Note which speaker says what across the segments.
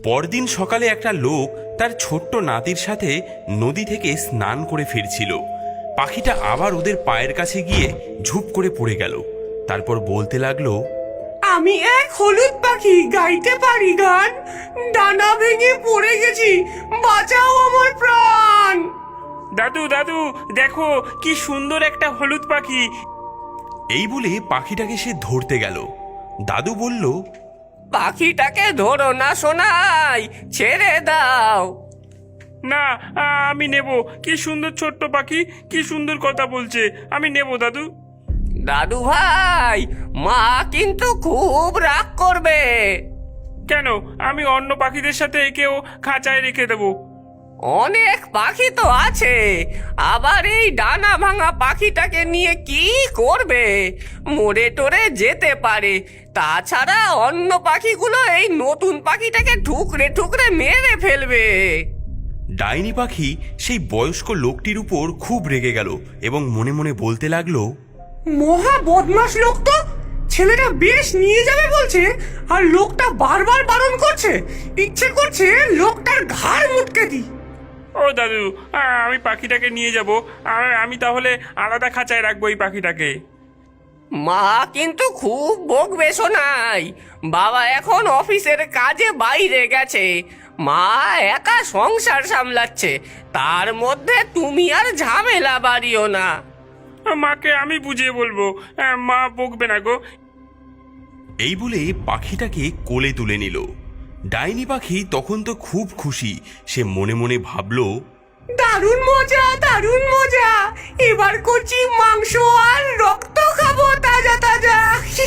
Speaker 1: পরদিন সকালে একটা লোক তার ছোট্ট নাতির সাথে নদী থেকে স্নান করে ফিরছিল। পাখিটা আবার ওদের পায়ের কাছে গিয়ে ঝুপ করে পড়ে গেল। তারপর বলতে লাগলো,
Speaker 2: আমি এক হলুদ পাখি, গাইতে পারি গান, ডানা ভেঙে পড়ে গেছি, বাঁচাও আমার প্রাণ।
Speaker 3: দাদু দাদু দেখো কি সুন্দর একটা হলুদ পাখি।
Speaker 1: এই বলে পাখিটাকে সে ধরতে গেল। দাদু বলল,
Speaker 2: পাখিটাকে ধরো না সোনাই, ছেড়ে দাও।
Speaker 3: না, আমি নেব। কি সুন্দর ছোট্ট পাখি, কি সুন্দর কথা বলছে, আমি নেব দাদু।
Speaker 2: দাদু ভাই, মা কিন্তু খুব রাগ করবে।
Speaker 3: কেন? আমি অন্য পাখিদের সাথে একেও খাঁচায় রেখে দেবো।
Speaker 2: অনেক পাখি তো আছে, আবার এই ডানা ভাঙা পাখিটাকে নিয়ে কি করবে? মরে টরে যেতে পারে। তাছাড়া অন্য পাখিগুলো এই নতুন পাখিটাকে ঠুকরে ঠুকরে মেরে ফেলবে।
Speaker 1: ডাইনি পাখি সেই বয়স্ক লোকটির উপর খুব রেগে গেল এবং মনে মনে বলতে লাগলো,
Speaker 2: মহা বদমাশ লোক তো, ছেলেটা বেশ নিয়ে যাবে বলছে, আর লোকটা বারবার বারণ করছে। ইচ্ছে করছে লোকটার ঘাড় মুটকে দিই।
Speaker 3: ও দাদু, আমি পাখিটাকে নিয়ে যাব। আমি তাহলে আলাদা খাঁচায় রাখবো এই পাখিটাকে।
Speaker 2: মা কিন্তু খুব বকবে শোনাই। বাবা এখন অফিসের কাজে বাইরে গেছে, মা একা সংসার সামলাচ্ছে, তার মধ্যে তুমি আর ঝামেলা বাড়িও না।
Speaker 3: মাকে আমি বুঝিয়ে বলবো, মা বকবে না গো।
Speaker 1: এই বলে পাখিটাকে কোলে তুলে নিল। ডাইনি পাখি তখন তো খুব খুশি। সে মনে মনে ভাবল,
Speaker 2: দারুণ মজা, দারুণ মজা, এবার করছি মাংস আর রক্ত খাবো তাজা তাজা।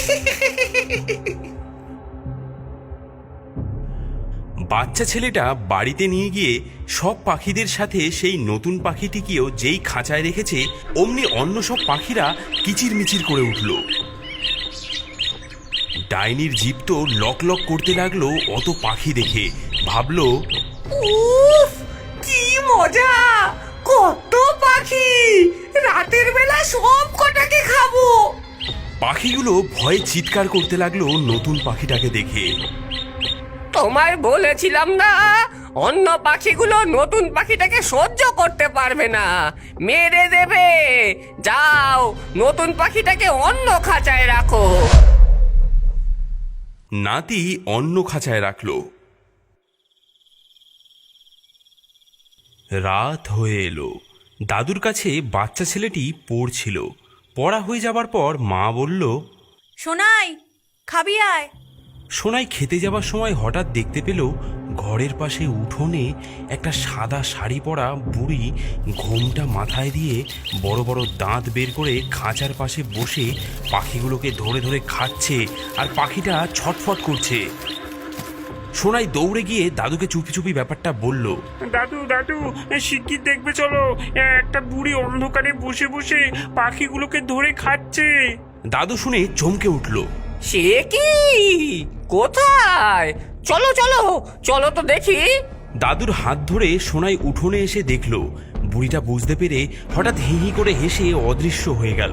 Speaker 1: বাচ্চা ছেলেটা বাড়িতে নিয়ে গিয়ে সব পাখিদের সাথে সেই নতুন পাখিটিকেও যেই খাঁচায় রেখেছে, অমনি অন্য সব পাখিরা কিচিরমিচির করে উঠল। ডাইনির জিভ তো লক লক করতে লাগলো অত পাখি দেখে। ভাবলো,
Speaker 2: উফ, কি মজা, কত পাখি, রাতের বেলা সব কটাকে খাবো।
Speaker 1: পাখিগুলো ভয়ে চিৎকার করতে লাগলো নতুন পাখিটাকে দেখে।
Speaker 2: তোমায় বলেছিলাম না, অন্য পাখিগুলো নতুন পাখিটাকে সহ্য করতে পারবে না, মেরে দেবে। যাও, নতুন পাখিটাকে অন্য খাঁচায় রাখো।
Speaker 1: নাতি অন্য খাঁচায় রাখলো। রাত হয়ে এলো। দাদুর কাছে বাচ্চা ছেলেটি পড়ছিল। পড়া হয়ে যাবার পর মা বলল,
Speaker 4: সোনাই, খাবি আয়।
Speaker 1: সোনাই খেতে যাবার সময় হঠাৎ দেখতে পেল ঘরের পাশে উঠোনে একটা সাদা শাড়ি পরা বুড়ি ঘোমটা মাথায় দিয়ে বড় বড় দাঁত বের করে খাঁচার পাশে বসে পাখিগুলোকে ধরে ধরে খাচ্ছে, আর পাখিটা ছটফট করছে। সোনাই দৌড়ে গিয়ে দাদুকে চুপি চুপি ব্যাপারটা বলল।
Speaker 3: দাদু দাদু, শিগগির দেখবে চলো, একটা বুড়ি অন্ধকারে বসে বসে পাখিগুলোকে ধরে খাচ্ছে।
Speaker 1: দাদু শুনে চমকে উঠল।
Speaker 2: সে কি? কোথায়? চলো চলো চলো তো দেখি।
Speaker 1: দাদুর হাত ধরে সোনাই উঠোনে এসে দেখল বুড়িটা বুঝতে পেরে হঠাৎ হি হি করে হেসে অদৃশ্য হয়ে গেল।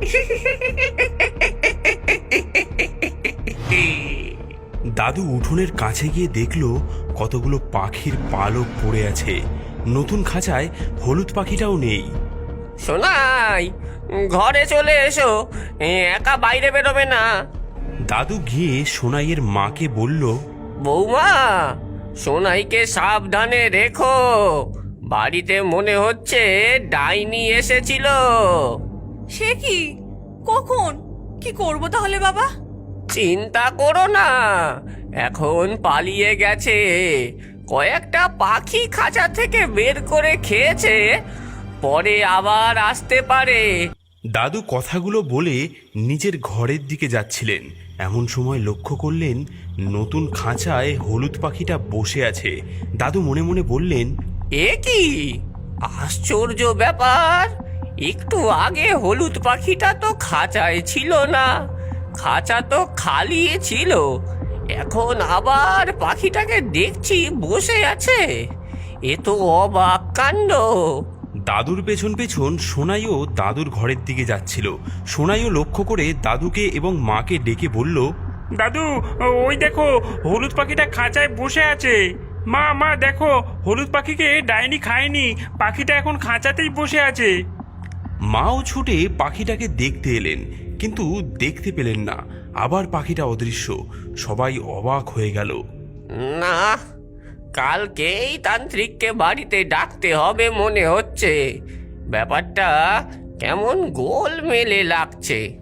Speaker 1: দাদু উঠোনের কাছে গিয়ে দেখল কতগুলো পাখির পালক পড়ে আছে। নতুন খাঁচায় হলুদ পাখিটাও নেই।
Speaker 2: সোনাই, ঘরে চলে এসো, একা বাইরে বেরোবে না।
Speaker 1: দাদু গিয়ে সোনাইয়ের মাকে বলল,
Speaker 2: বৌমা, সোনাইকে সাবধানে রেখো, বাড়িতে মনে হচ্ছে ডাইনি এসেছিল।
Speaker 4: সে কি? কখন? কি করব তাহলে বাবা?
Speaker 2: চিন্তা করো না, এখন পালিয়ে গেছে। কয়েকটা পাখি খাঁচা থেকে বের করে খেয়েছে, পরে আবার আসতে পারে।
Speaker 1: দাদু কথাগুলো বলে নিজের ঘরের দিকে যাচ্ছিলেন। এমন সময় লক্ষ্য করলেন নতুন খাঁচায় হলুদ পাখিটা বসে আছে। দাদু মনে মনে বললেন,
Speaker 2: এ কি আশ্চর্য ব্যাপার, একটু আগে হলুদ পাখিটা তো খাঁচায় ছিল না, খাঁচা তো খালি ছিল, এখন আবার পাখিটাকে দেখছি বসে আছে। এ তো অবাক কাণ্ড।
Speaker 1: দাদুর পেছন পেছন সোনাইও দাদুর ঘরের দিকে যাচ্ছিল। সোনাইও লক্ষ্য করে দাদুকে এবং মাকে ডেকে বলল,
Speaker 3: দাদু, ওই দেখো হলুদ পাখিটা খাঁচায় বসে আছে। মা মা দেখো, হলুদ পাখিকে ডাইনি খায়নি, পাখিটা এখন খাঁচাতেই বসে আছে।
Speaker 1: মাও ছুটে পাখিটাকে দেখতে এলেন, কিন্তু দেখতে পেলেন না। আবার পাখিটা অদৃশ্য। সবাই অবাক হয়ে গেল।
Speaker 2: না, কালকেই তান্ত্রিককে বাড়িতে ডাকতে হবে মনে হচ্ছে। ব্যাপারটা কেমন গোলমেলে লাগছে।